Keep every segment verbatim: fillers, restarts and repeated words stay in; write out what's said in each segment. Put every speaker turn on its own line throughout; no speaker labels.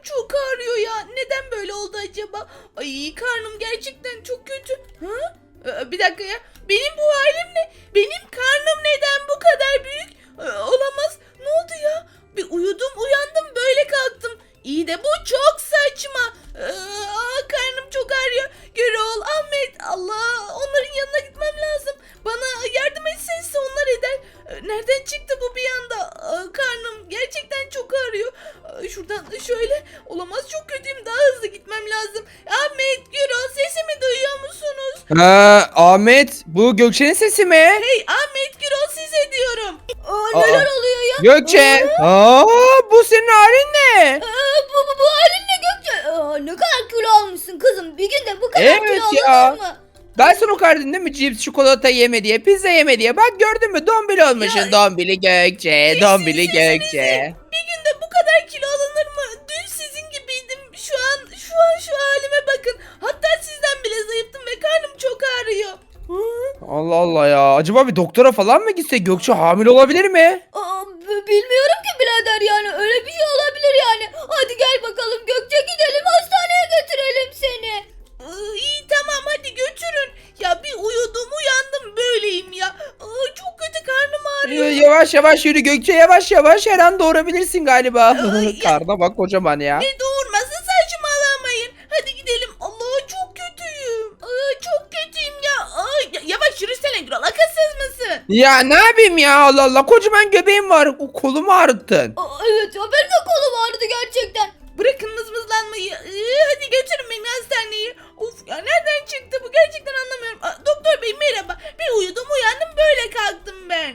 çok ağrıyor ya. Neden böyle oldu acaba? Ay karnım gerçekten çok kötü. Ha? Ee, bir dakika ya. Benim bu halim ne? Benim karnım neden bu kadar büyük? Ee, olamaz. Ne oldu ya? Bir uyudum uyandım böyle kalktım. İyi de bu çok saçma. Ee, aa, karnım çok ağrıyor. Gürol, Ahmet, Allah, onların yanına gitmem lazım. Bana yardım etseniz onlar eder. Ee, nereden çıktı bu bir anda? Aa, karnım gerçekten çok ağrıyor. Aa, şuradan şöyle. Olamaz, çok kötüyüm. Daha hızlı gitmem lazım. Ahmet, Gürol, sesimi duyuyor musunuz?
Ha, Ahmet, bu Gökçe'nin sesi mi?
Hey Ahmet, Gürol, size diyorum. Aa,
Aa.
neler oluyor ya?
Gökçe. Aa, bu senin halin ne?
Aa, bu, bu, bu halin ne Gökçe? Aa, ne kadar kilo almışsın kızım. Bir günde bu kadar
Evet
kilo
ya.
alınır mı?
Ben sana o kadar dedim değil mi? Cips, çikolata yeme diye, pizza yeme diye. Bak gördün mü? Dombili olmuşsun.
Ya,
Dombili Gökçe, dombili
Sizin
Gökçe.
sesinizi. Bir günde bu kadar kilo alınır mı? Dün sizin gibiydim. Şu an şu an şu halime bakın. Hatta sizden bile zayıftım ve karnım çok ağrıyor. Hı?
Allah Allah ya. Acaba bir doktora falan mı gitse? Gökçe hamile olabilir mi?
Aa, b- bilmiyorum ki birader, yani öyle bir şey olabilir yani. Hadi gel bakalım Gökçe, gidelim hastaneye götürelim seni. İyi tamam, hadi götürün. Ya bir uyudum uyandım böyleyim ya. Aa, çok kötü, karnım ağrıyor.
Yavaş yavaş yürü Gökçe, yavaş yavaş. Her an doğurabilirsin galiba.
Ay, ya-
Karnına bak kocaman ya.
Ne doğurması, saçmalamayın. Hadi gidelim. Allah, çok kötüyüm. Aa, çok kötüyüm ya. Aa, ya- yavaş yürüsene Gürol, akılsız mısın?
Ya ne yapayım ya, Allah Allah, kocaman göbeğim var, o kolumu ağrıttın.
Aa, evet ya, benim de kolum ağrıdı gerçekten. Bırakın mızmızlanmayı. Ee, hadi götürün beni hastaneye. Of ya, nereden çıktı bu, gerçekten anlamıyorum. Aa, doktor bey merhaba. Bir uyudum uyandım böyle kalktım ben.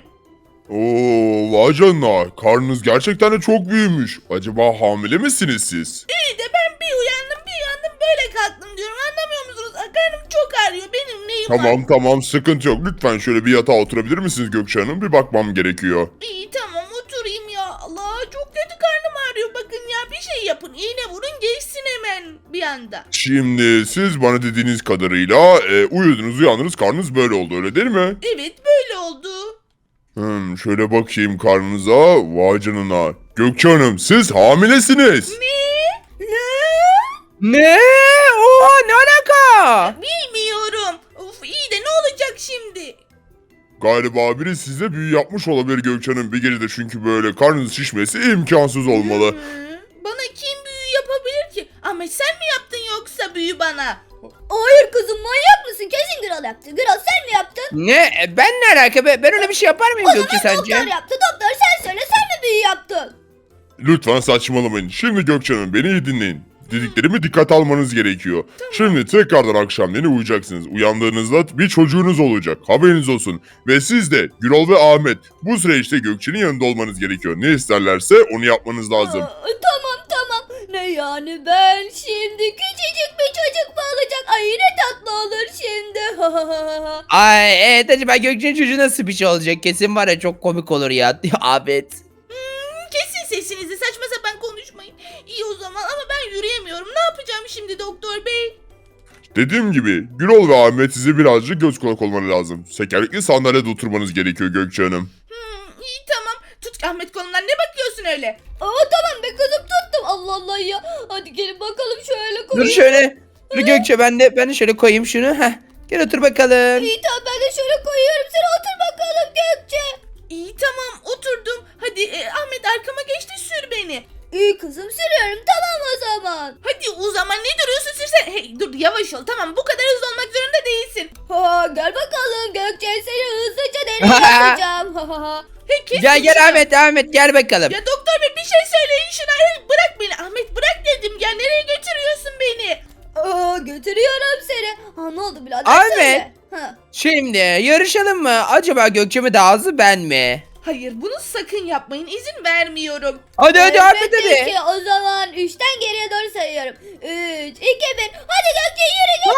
Oo, vay canına. Karnınız gerçekten de çok büyümüş. Acaba hamile misiniz siz?
İyi de ben bir uyandım bir uyandım böyle kalktım diyorum, anlamıyor musunuz? Aa, karnım çok ağrıyor, benim neyim var?
Tamam tamam, sıkıntı yok. Lütfen şöyle bir yatağa oturabilir misiniz Gökçe Hanım? Bir bakmam gerekiyor.
İyi tamam, oturayım ya. Allah, çok kötü karnım ağrıyor. Bakın ya, bir şey yapın. İğne vurun geçsin hemen bir anda.
Şimdi siz bana dediğiniz kadarıyla e, uyudunuz uyandınız, karnınız böyle oldu, öyle değil mi?
Evet, böyle oldu.
Hmm, şöyle bakayım karnınıza. Vay canına. Gökçe Hanım, siz hamilesiniz.
Ne? Ne?
Ne? Oha, ne alaka?
Bilmiyorum. Of, iyi de ne olacak şimdi?
Galiba biri size büyü yapmış olabilir Gökçe Hanım bir gecede, çünkü böyle karnınız şişmesi imkansız olmalı.
Hı? Bana kim büyü yapabilir ki? Ahmet, sen mi yaptın yoksa büyü bana? Hayır kızım, manyak mısın? Kesin Gral yaptı. Gral, sen mi yaptın?
Ne? E, Ben ne alaka? Ben ben öyle bir şey yapar mıyım Gökçe sence?
Doktor yaptı. Doktor, sen söyle, sen mi büyü yaptın?
Lütfen saçmalamayın. Şimdi Gökçe Hanım, beni iyi dinleyin. Dediklerimi dikkat almanız gerekiyor. Şimdi tekrardan akşamleyin uyuyacaksınız. Uyandığınızda bir çocuğunuz olacak. Haberiniz olsun. Ve siz de Gürol ve Ahmet bu süreçte Gökçe'nin yanında olmanız gerekiyor. Ne isterlerse onu yapmanız lazım.
Aa, tamam tamam. Ne yani, ben şimdi küçücük bir çocuk mu olacak? Ay, ne tatlı olur şimdi.
Ay evet, acaba Gökçe'nin çocuğu nasıl bir şey olacak? Kesin var ya, çok komik olur ya. Ahmet.
Kesin sesinizi, saçma sapan konuşmayın. İyi o zaman, ama ben yürüyemiyorum. Ne yapacağım şimdi doktor bey?
Dediğim gibi Gürol ve Ahmet size birazcık göz kulak olmanız lazım. Tekerlekli sandalyede oturmanız gerekiyor Gökçe Hanım.
Hmm, iyi tamam. Tut Ahmet kolundan, ne bakıyorsun öyle? Aa tamam be kızım, tuttum. Allah Allah ya. Hadi gelin bakalım, şöyle
Dur
koyayım.
şöyle. Dur Gökçe, ben de ben de şöyle koyayım şunu. Heh. Gel otur bakalım.
İyi tamam, ben de şöyle koyuyorum. Sen otur bakalım Gökçe. İyi tamam, oturdum. Hadi e, Ahmet, arkama geç de sür beni. İyi kızım, sürüyorum, tamam o zaman. Hadi o zaman, ne duruyorsun, sürsene. Hey dur, yavaş ol, tamam, bu kadar hızlı olmak zorunda değilsin. Ha, gel bakalım Gökçe, seni hızlıca deney yapacağım. Hey, kes
Gel gel
şunu.
Ahmet, Ahmet gel bakalım.
Ya doktor bey, bir şey söyleyin şuna. Hey, bırak beni Ahmet, bırak dedim ya, nereye götürüyorsun beni? Aa, götürüyorum seni. Ha, ne oldu birader,
Ahmet.
söyle. Ha.
Şimdi yarışalım mı? Acaba Gökçe mi daha hızlı, ben mi?
Hayır, bunu sakın yapmayın, izin vermiyorum.
Hadi hadi Ahmet hadi.
Peki o zaman üçten geriye doğru sayıyorum. üç, iki, bir. Hadi Gökçe, yürü gel.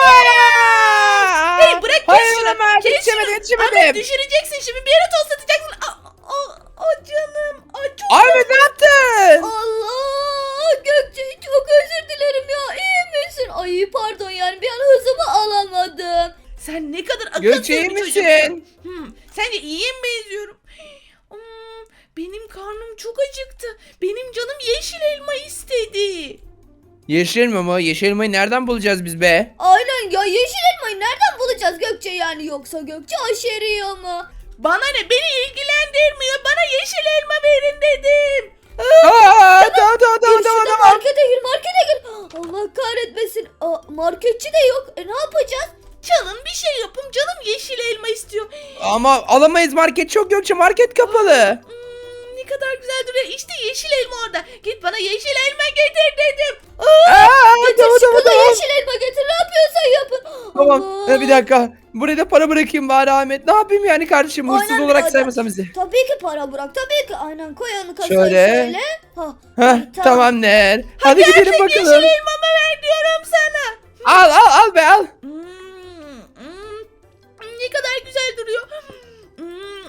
Aa!
Hey, bırak, kes
Hayır,
şunu.
olamaz,
Kes
yetişemedim,
şunu.
yetişemedim.
Ahmet, düşüreceksin şimdi, bir yere toslatacaksın. Aa, aa, aa, canım. Aa, çok
Ahmet ne yaptın?
Allah, Gökçe, çok özür dilerim ya. İyi misin? Ay pardon, yani bir an hızımı alamadım. Sen ne kadar akıllı
Gökçe, iyi
bir
misin?
çocuksun. Hmm, sence iyiye mi benziyorum? Hmm, benim karnım çok acıktı. Benim canım yeşil elma istedi.
Yeşil elma mı? Yeşil elmayı nereden bulacağız biz be?
Aynen ya, yeşil elmayı nereden bulacağız Gökçe yani, yoksa Gökçe aşeriyor mu?
Bana ne, beni ilgilendirmiyor. Bana yeşil elma verin dedim.
Aa, tamam tamam
Gir
tamam tamam
şurada,
tamam.
markete gir, markete gir. Allah kahretmesin. Aa, marketçi de yok. E ne yapacağız?
Çalın bir şey yapın, canım yeşil elma istiyor.
Ama alamayız, market çok, Gökçe, market kapalı.
Hmm, ne kadar güzel duruyor. İşte yeşil elma orada. Git bana yeşil elma getir dedim.
Aa,
Getir
tamam
şu
tamam
kıza
tamam.
yeşil elma getir, ne yapıyorsan yapın.
Tamam.
Allah.
Ee, bir dakika. Buraya da para bırakayım bari Ahmet. Ne yapayım yani kardeşim? Hırsız
Aynen
olarak
birader.
saymasam bizi.
Tabii ki para bırak, tabii ki. Aynen, koy onu kasaya
Şöyle.
şöyle. Ha,
Heh,
tamam.
tamam der. Hadi, gidelim
Artık
bakalım.
yeşil elmamı ver diyorum sana.
Al al al be al.
Hmm, hmm, ne kadar güzel duruyor. Hmm,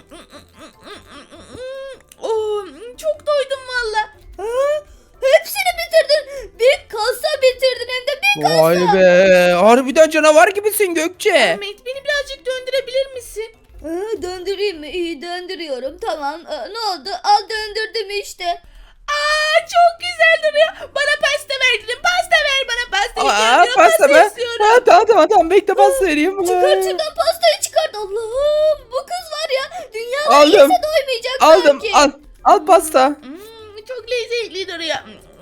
oh, çok doydum valla.
Ha? Hepsini bitirdin. Bir kasa bitirdin, hem de bir kasa.
Vay be. Harbiden canavar gibisin Gökçe.
Ahmet, beni birazcık döndürebilir misin?
Ha, döndüreyim mi? İyi, döndürüyorum. Tamam. Aa, ne oldu? Al, döndürdüm işte.
Aa, çok güzel duruyor. Bana pasta ver dedim. Pasta ver bana, pasta
Aa,
istiyorum.
pasta mı?
istiyorum.
Ha, tamam tamam tamam. Bekle pasta vereyim.
Çıkart şuradan pastayı, çıkart. Allah'ım, bu kız var ya, dünyada
Aldım.
yese doymayacak
Aldım.
sanki.
Al. Al pasta.
Hmm, çok lezzetli duruyor.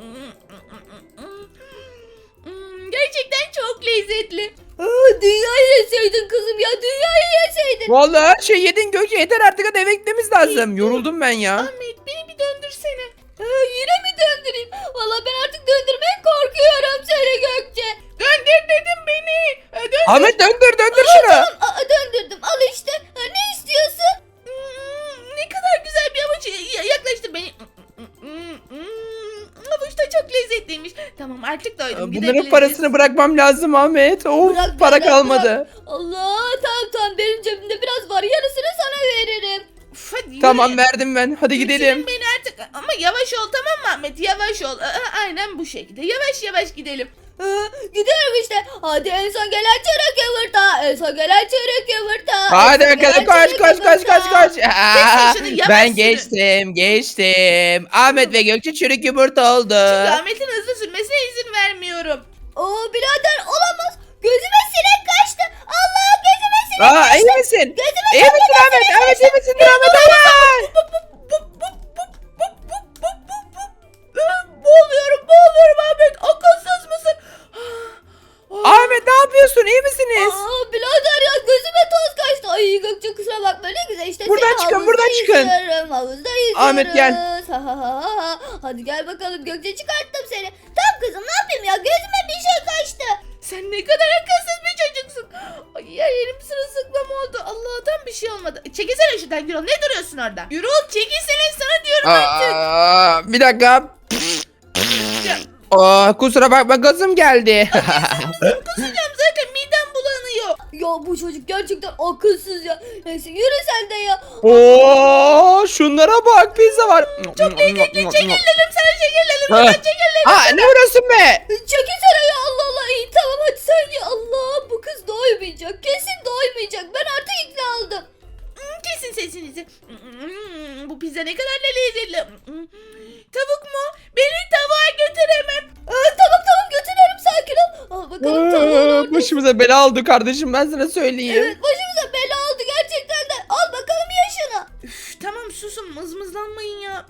Hmm, gerçekten çok lezzetli.
Aa, dünyayı yeseydin kızım ya, dünyayı yeseydin.
Vallahi her şey yedin Gökçe. Yeter artık, hadi eve gitmemiz lazım. Yoruldum ben ya.
Ahmet, beni bir döndürsene.
Ha, yine mi döndüreyim? Valla ben artık döndürmeye korkuyorum seni Gökçe.
Döndür dedim beni. Ee, Döndür.
Ahmet döndür döndür
Aa,
şunu.
tamam, aa, döndürdüm, al işte. Ha, ne istiyorsun?
Hmm, ne kadar güzel bir avuç. Ya- Yaklaştır beni. Hmm, hmm, avuç da çok lezzetliymiş. Tamam, artık doydum.
Bunların
Gidebiliriz.
parasını bırakmam lazım Ahmet. Of,
Bırak,
para
bırak,
kalmadı.
bırak. Allah, tamam tamam, benim cebimde biraz var, yarısını sana veririm.
Uf, hadi yürü.
Tamam, verdim ben. Hadi gidelim.
Götürün beni artık. Ama yavaş ol, tamam mı Ahmet? Yavaş ol. Aa, aynen bu şekilde. Yavaş yavaş gidelim.
Ha, gidiyorum işte. Hadi en son gelen çörek yumurta. En son gelen çörek yumurta.
Hadi
En son
bakalım,
gelen
koş
çörek
koş koş koş
yumurta.
koş. Aa,
şunu, yavaş
ben
sürün.
geçtim geçtim. Ahmet ve Gökçe çürük yumurta oldu.
Çünkü Ahmet'in hızlı sürmesine izin vermiyorum.
Oo birader, olamaz. Gözüme sinek kaçtı. Allah, gözüme sinek
Aa,
kaçtı.
iyi misin?
Gözüme
İyi misin Ahmet? Ahmet iyi misin? Dur Ahmet. Aa!
Boğuluyorum, boğuluyorum Ahmet. Akılsız mısın?
Ahmet ne yapıyorsun? İyi misiniz?
Aa birader ya, gözüme toz kaçtı. Ay Gökçe, kusura bakma, ne güzel işte.
Buradan
seni
çıkın,
havuzda
buradan çıkın.
yüzüyorum, havuzda yüzüyoruz.
Ahmet, gel.
Ha, ha, ha, ha. Hadi gel bakalım Gökçe, çıkarttım seni. Tamam kızım, ne yapayım ya, gözüme bir şey kaçtı.
Sen ne kadar akılsız bir çocuksun. Ay, her yerim sırılsıklam oldu. Allah'tan bir şey olmadı. Çekilsene şuradan Gürol. Ne duruyorsun orada? Gürol, çekilsene sana diyorum artık.
Aa, bir dakika.
Ya,
Aa, kusura bakma, gazım geldi.
kusacağım zaten, midem bulanıyor.
Ya bu çocuk gerçekten akılsız ya. Neyse, yürü sen de ya.
Oo, şunlara bak, pizza var. Çok
Çekil dedim sana, çekil dedim.
Ha.
Sana, çekil dedim.
Ha, ne uğraşsın be?
Çekilsene ya, Allah Allah. İyi tamam, hadi sen ye. Allah, bu kız doymayacak. Kesin doymayacak. Ben artık ikna oldum.
Hmm, kesin sesinizi. Hmm, bu pizza ne kadar da lezzetli. Hmm, tavuk mu? Beni tavuğa götür hemen.
Aa, tamam tamam, götürüyorum, sakin ol. Al bakalım, tamam.
Aa, başımıza bela oldu kardeşim, ben sana söyleyeyim.
Evet, başımıza bela oldu gerçekten de. Al bakalım, ye şunu.
Üf, tamam susun, mızmızlanmayın ya.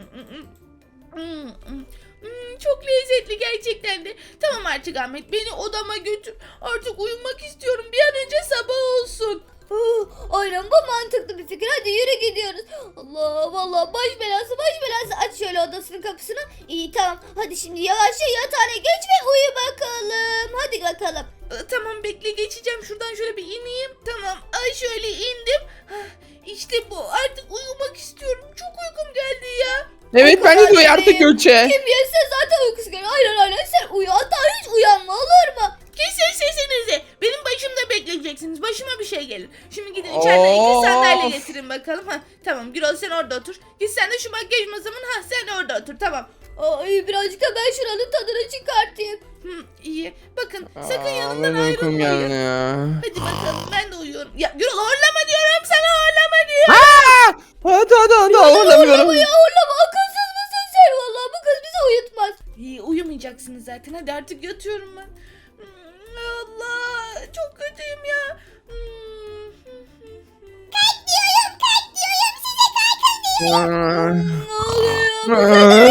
Hmm, hmm, çok lezzetli gerçekten de. Tamam artık Ahmet, beni odama götür. Artık uyumak istiyorum. Bir an önce sabah olsun.
Aa, aynen, bu mantıklı bir fikir. Hadi yürü, gidiyoruz. Allah vallahi, baş belası baş belası. Aç şöyle odasının kapısını. İyi tamam. Hadi şimdi yavaşça yatağına geç ve uyu bakalım. Hadi bakalım.
Ee, Tamam, bekle, geçeceğim. Şuradan şöyle bir ineyim. Tamam. Ay, şöyle indim. Hah, İşte bu. Artık uyumak istiyorum. Çok uykum geldi ya.
Evet, ben de
kadar
diyor artık
değil.
Gökçe.
Kim yese zaten uykusu geliyor. Aynen aynen, sen uyu. Hatta hiç uyanma, olur mu?
Kesin sesinizi. Benim başımda bekleyeceksiniz. Başıma bir şey gelir. Şimdi gidin içeriden iki
Of.
sandalye getirin bakalım. Ha, tamam Gürol, sen orada otur. Git sen de şu makyaj masamın. Ha, sen orada otur, tamam.
Ay, birazcık da ben şuranın tadını çıkartayım.
Hı, iyi. Bakın, sakın
Aa,
yanımdan
ben uykum geldi
ayrılmayın.
ya.
Hadi bakalım, ben de uyuyorum. Ya Gürol, horlama diyorum sana, horlama diyorum.
Aa! Hadi hadi hadi, ağlamıyorum.
Horlama ya, horlama. Akılsız mısın sen? Vallahi bu kız bizi uyutmaz.
İyi, uyumayacaksın. uyuyacaksınız zaten. Hadi artık yatıyorum ben. Hmm, Allah çok kötüyüm ya. Hmm.
Kalk diyorum kalk diyorum size kalkın diyorum.
Aa,
Ne oluyor?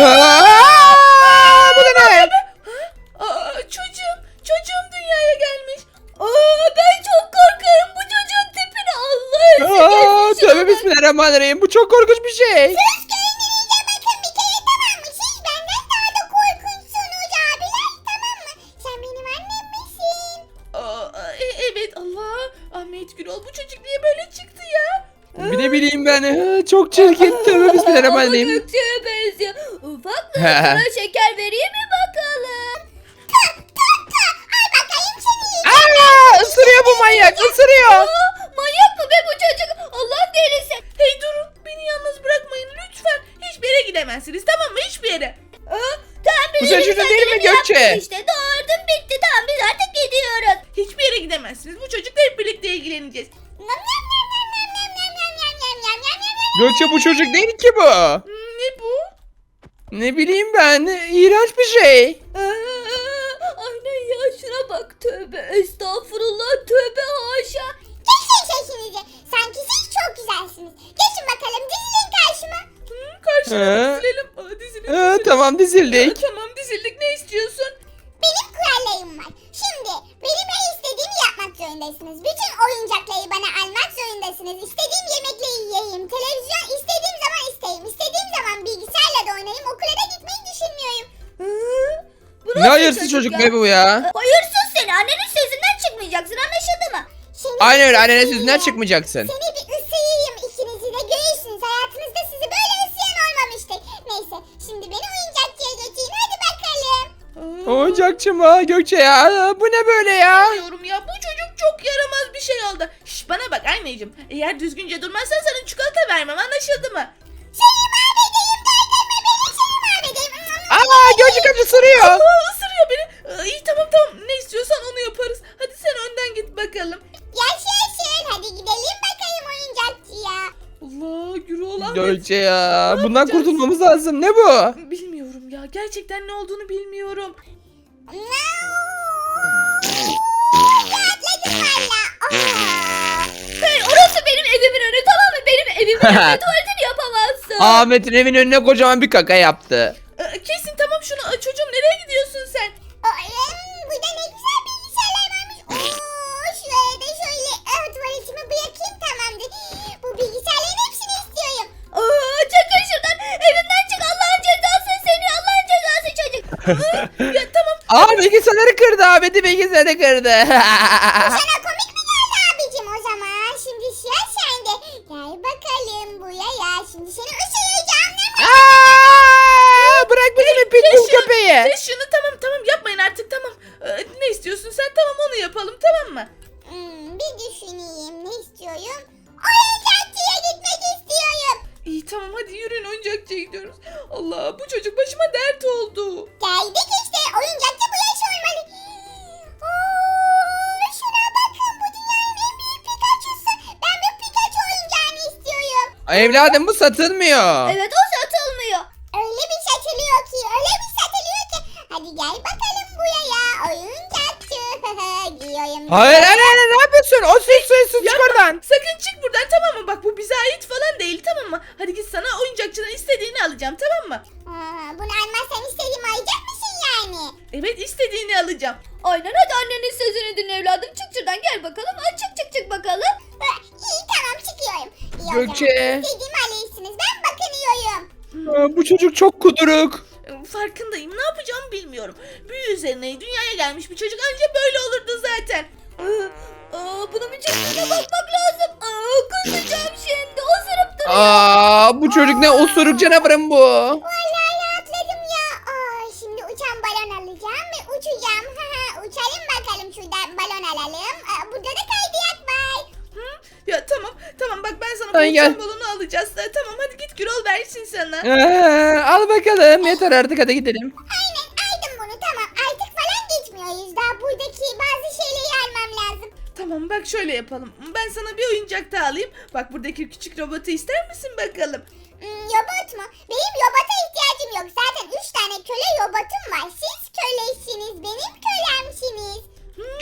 Aa, bu da ne?
Aa, çocuğum, çocuğum dünyaya gelmiş. Aa, ben çok korkarım bu çocuğun tipine. Allah
Aa,
aşkına.
tövbe bismillahirrahmanirrahim. Bu çok korkunç bir şey.
Söz kendinize bakın bir kere tamam mı? Siz benden daha da korkunçsunuz abiler tamam mı? Sen benim annem misin?
Aa, e- evet Allah. Ahmet Gürol bu çocuk niye böyle çıktı ya?
Bir de bileyim ben. Ha, çok çirkin. Tövbe
Ama
bismillahirrahmanirrahim.
Gökçe'ye benziyor. Ufak mı? Sana şeker vereyim mi bakalım? Tak tak tak. Al bakayım seni.
Aa, ısırıyor bu manyak. Isırıyor.
Aa, manyak mı be bu çocuk? Allah delisi.
Hey durun beni yalnız bırakmayın lütfen. Hiçbir yere gidemezsiniz tamam mı? Hiçbir yere.
Aa, tamam
Bu
biz
çocuğun
elimizden
değil mi
geleni
Gökçe?
yaptık İşte doğurdum bitti tamam biz artık gidiyoruz.
Hiçbir yere gidemezsiniz. Bu çocukla hep birlikte ilgileneceğiz.
Nam nam nam nam nam nam nam nam nam nam nam nam nam.
Gökçe bu çocuk değil ki bu.
Hmm, ne bu?
Ne bileyim ben. İğrenç bir şey.
Aa, aynen ya şuna bak tövbe estağfurullah tövbe haşa. Kesin sesinizi sanki siz çok güzelsiniz. Geçin bakalım dizilin karşıma.
Hmm, karşıma
Ee?
dizilelim. Aa, dizilelim.
Aa,
dizilelim.
tamam
Aa,
dizildik.
tamam dizildik ne istiyorsun?
Benim kurallarım var. Şimdi benim her istediğimi yapmak zorundasınız. Bütün oyuncakları bana almak zorundasınız. İstediğim yemekleri yiyeyim. Televizyon istediğim zaman isteyeyim. İstediğim zaman bilgisayarla da oynayayım. Okula da gitmeyi düşünmüyorum. Bu
Ne hayırsız çocuk be bu ya.
Hayırsız seni. Annenin sözünden çıkmayacaksın anlaşıldı mı? Seni
Aynen öyle. Annene
ısırayım.
sözünden çıkmayacaksın.
Seni bir ısırayım ikinizi de görürsünüz. Hayatınızda sizi böyle ısıran olmamıştır. Neyse şimdi beni oyuncakçıya götürün hadi bakalım.
Aa,
Oyuncakçı mı Gökçe ya? Aa, bu ne böyle ya?
Bilmiyorum ya bu çocuk çok yaramaz bir şey oldu. Şş, bana bak anneciğim. Eğer düzgünce durmazsan sana çikolata vermem anlaşıldı mı?
Seni mahvedeyim derdeme beni seni mahvedeyim.
Aa Gökçe kaç ısırıyor.
Aa, ısırıyor beni. Aa, iyi tamam tamam ne istiyorsan onu yaparız. Hadi sen önden git bakalım.
Yaşasın hadi gidelim bakayım oyuncakçıya.
Allah Gürol Ahmet.
Gökçe ya. Bundan
yapacağız?
kurtulmamız lazım. Ne bu?
Bilmiyorum ya gerçekten ne olduğunu bilmiyorum.
Rahatladım valla. Hey orası benim evimin önü tamam mı? Benim evimin önünde tuvaletini yapamazsın.
Ahmet'in evin önüne kocaman bir kaka yaptı.
Aa, kesin tamam şunu. Aa, çocuğum nereye gidiyorsun sen?
Oğlum burada ne güzel bilgisayarlar varmış. Oo, şuraya da şöyle ah, tuvaletimi bırakayım tamamdır. Bu bilgisayarların hepsini istiyorum. Aa, çakın şuradan evimden çık Allah'ın cezası seni Allah'ın cezası çocuk.
Ya tamam.
Aa bilgisayarları kırdı. Ahmet'i bilgisayarı kırdı.
Sana komik mi geldi abicim o zaman? Şimdi sıra sende. Gel bakalım buraya. Şimdi seni ısıracağım.
Aa, bırak bizi pitbull
şunu,
köpeği.
kes şunu tamam tamam yapmayın artık tamam. Ee, ne istiyorsun sen tamam onu yapalım tamam mı?
Hmm, bir düşüneyim. Ne istiyorum? Oyuncakçıya gitmek istiyorum.
İyi tamam hadi yürüyün oyuncakçıya gidiyoruz. Allah bu çocuk başıma dert oldu.
Geldik işte. Oyuncakçı bu yaş olmalı. Oo, şuna bakın. Bu dünyanın en büyük Pikachu'su. Ben bu Pikachu oyuncağını istiyorum.
Evladım bu satılmıyor.
Evet o satılmıyor. Öyle bir satılıyor ki. Öyle bir satılıyor ki. Hadi gel bakalım buraya. Oyuncakçı. Giyiyorum.
Hayır hayır hayır ne yapıyorsun? O sus sus sus çık
Yapma.
oradan.
Sakın çık buradan tamam mı? Bak bu bize ait falan değil tamam mı? Hadi git sana oyuncakçıdan istediğini alacağım tamam mı?
Aa, bunu almazsan istediğimi alacak mısın yani?
Evet istediğini alacağım.
Aynen hadi annenin sözünü dinle evladım. Çık şuradan gel bakalım. Aa, çık çık çık bakalım. Ha, iyi tamam çıkıyorum. İyi, o zaman
Gökçe.
istediğimi alırsınız. Ben bakınıyorum.
Aa, bu çocuk çok kuduruk.
Ee, Farkındayım ne yapacağımı bilmiyorum. Büyü üzerine dünyaya gelmiş bir çocuk anca böyle olurdu zaten.
Aa, aa, bunun bir çıktığına bakmak lazım. Aa, kusacağım şimdi. Osurup duruyor.
Aa, bu çocuk ne osuruk canavarım bu.
Vallahi rahatladım ya. Aa, şimdi uçan balon alacağım ve uçacağım. Uçalım bakalım şuradan balon alalım. Aa, burada da kaydırak var.
Hı? Ya tamam tamam bak ben sana
Ay,
bu
gel.
uçan balonu alacağız. Ee, Tamam hadi git Gürol versin sana.
Ee, al bakalım yeter artık hadi gidelim.
Aynen aldım bunu tamam. Artık falan geçmiyoruz. Daha buradaki bazı şeyleri almam lazım.
Tamam bak şöyle yapalım. Ben sana bir oyuncak daha alayım. Bak buradaki küçük robotu ister misin bakalım?
Hmm, robot mu? Benim robota ihtiyacım yok. Zaten üç tane köle robotum var. Siz köle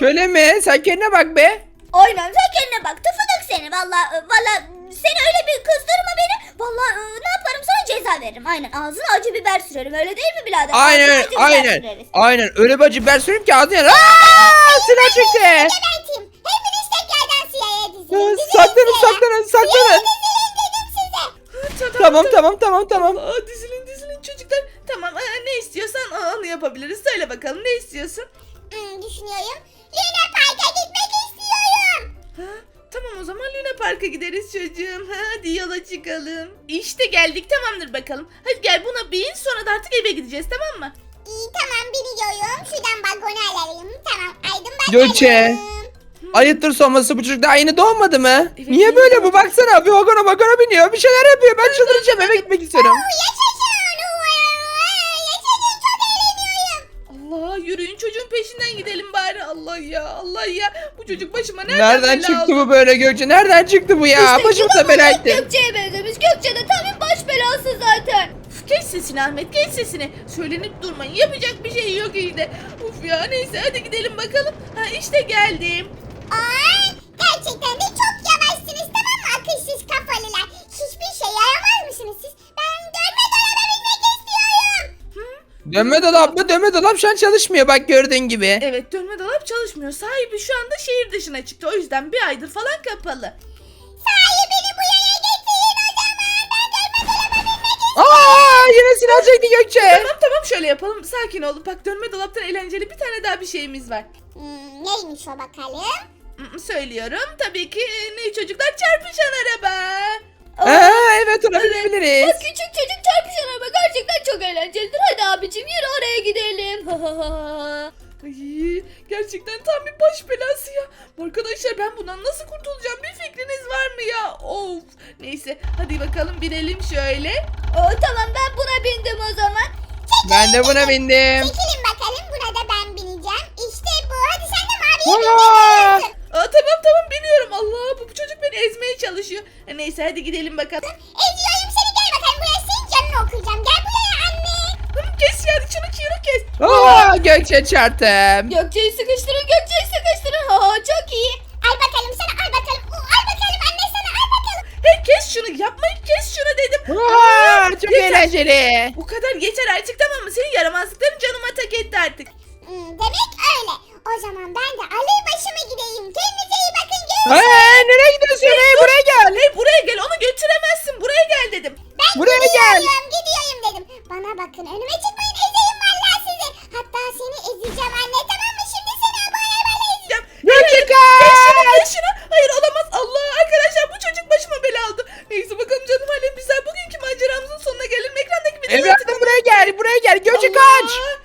Şöyle mi? Sen kendine bak be.
Aynen sen kendine bak tıfıdık seni valla valla seni öyle bir kızdırma beni. Valla e, ne yaparım sana ceza veririm. Aynen ağzına acı biber sürerim öyle değil mi birader? Ağzına
Aynen
acı biber
aynen.
süreriz.
Aynen öyle bir acı biber süreyim ki ağzına. Aaa! Silah çıktı.
Geberteyim. Hepiniz tekrardan siyaya dizilin. Dizilin
Saklanın
siyaya.
saklanın saklanın.
Dizilin dedim size.
Ha,
Tamam tamam tamam tamam.
Aa, dizilin dizilin çocuklar. Tamam aa, ne istiyorsan aa, onu yapabiliriz. Söyle bakalım ne istiyorsun?
Hmm, düşünüyorum. Luna Park'a gitmek istiyorum.
Ha, tamam o zaman Luna Park'a gideriz çocuğum. Ha, hadi yola çıkalım. İşte geldik tamamdır bakalım. Hadi gel buna bin sonra da artık eve gideceğiz tamam mı?
İyi tamam biniyorum. Şuradan balkona alayım. Tamam aydım bakalım.
Gökçe. Ayıptır sorması bu çocuk daha yeni doğmadı mı?
Evet,
Niye
yeni
böyle
doğdu.
bu baksana bir vagona vagona biniyor bir şeyler yapıyor ben çıldıracağım eve gitmek istiyorum.
Yaşasın. Yaşasın çok eğleniyorum.
Allah yürüyün çocuğun peşinden gidelim bari. Allah ya Allah ya. Bu çocuk başıma nereden,
Nereden
bela
çıktı
aldı?
bu böyle Gökçe nereden çıktı bu ya başımıza bela etti.
Gökçe'ye benzemiş. Gökçe de tam bir baş belası zaten.
Uf, kes sesini Ahmet kes sesini. Söylenip durmayın yapacak bir şey yok işte. Uf ya neyse hadi gidelim bakalım. Ha işte geldim.
Ay, gerçekten de çok yavaşsınız tamam mı akılsız kafalılar? Hiçbir şey yaramaz mısınız siz? Ben dönme dolaba binmek istiyorum.
Dönme dolap mı dönme dolap şu an çalışmıyor bak gördüğün gibi.
Evet dönme dolap çalışmıyor. Sahibi şu anda şehir dışına çıktı. O yüzden bir aydır falan kapalı.
Sahi beni bu yere getirin o zaman. Ben dönme dolaba binmek istiyorum.
Aa yine silah çekti Gökçe.
Tamam tamam şöyle yapalım. Sakin ol. Bak dönme dolaptan eğlenceli bir tane daha bir şeyimiz var.
Hmm, neymiş o bakalım?
Hmm, Söylüyorum. Tabii ki e, ne çocuklar çarpışan araba.
Aa, evet ona binebiliriz.
Bak küçük çocuk çarpışan araba gerçekten çok eğlencelidir. Hadi abicim yürü oraya gidelim.
Ay, gerçekten tam bir baş belası ya. Arkadaşlar ben bundan nasıl kurtulacağım bir fikriniz var mı ya? Of. Neyse hadi bakalım binelim şöyle.
Oo, tamam ben buna bindim o zaman.
Ben de buna bindim.
Çekilin bakalım buna da ben bineceğim. İşte bu. Hadi sen de maviye
Aa!
bineceksin.
Aa, tamam tamam biniyorum. Allah bu, bu çocuk beni ezmeye çalışıyor. E, neyse hadi gidelim bakalım.
Eziyorum seni gel bakalım. Buraya senin canını okuyacağım. Gel buraya anne.
Hı, kes ya şunu şunu kes.
Aa Gökçe çarptım.
Gökçe'yi sıkıştırın Gökçe'yi sıkıştırın. Ha, çok iyi. Al bakalım sana al bakalım. Oo, al bakalım anne sana al bakalım.
Hey kes şunu yapmayın kes şunu dedim.
Aa, çok
Yeter.
eğlenceli.
Bu kadar yeter artık tamam mı? Senin yaramazlıkların canıma tak etti artık.
Hmm, demek öyle. O zaman ben de alır başıma gideyim. Kendinize iyi bakın. Görüşürüz.
Hey, nereye gidiyorsun? Hey, buraya gel.
Hey buraya gel onu götüremezsin. Buraya gel dedim.
Ben
Buraya gel.
gidiyorum gidiyorum dedim. Bana bakın önüme çıkmayın ezeyim vallahi sizi. Hatta seni ezeceğim anne tamam mı? Şimdi seni bu arabayla ezeceğim.
Gökçe
Kes şunu
kaç.
kes şunu. Hayır olamaz. Allah arkadaşlar bu çocuk başıma bela aldı. Neyse bakalım canım halem bizler bugünkü maceramızın sonuna gelelim. Ekrandaki videoyu
Evladım buraya gel. Buraya gel. Gökçe
Allah!
kaç.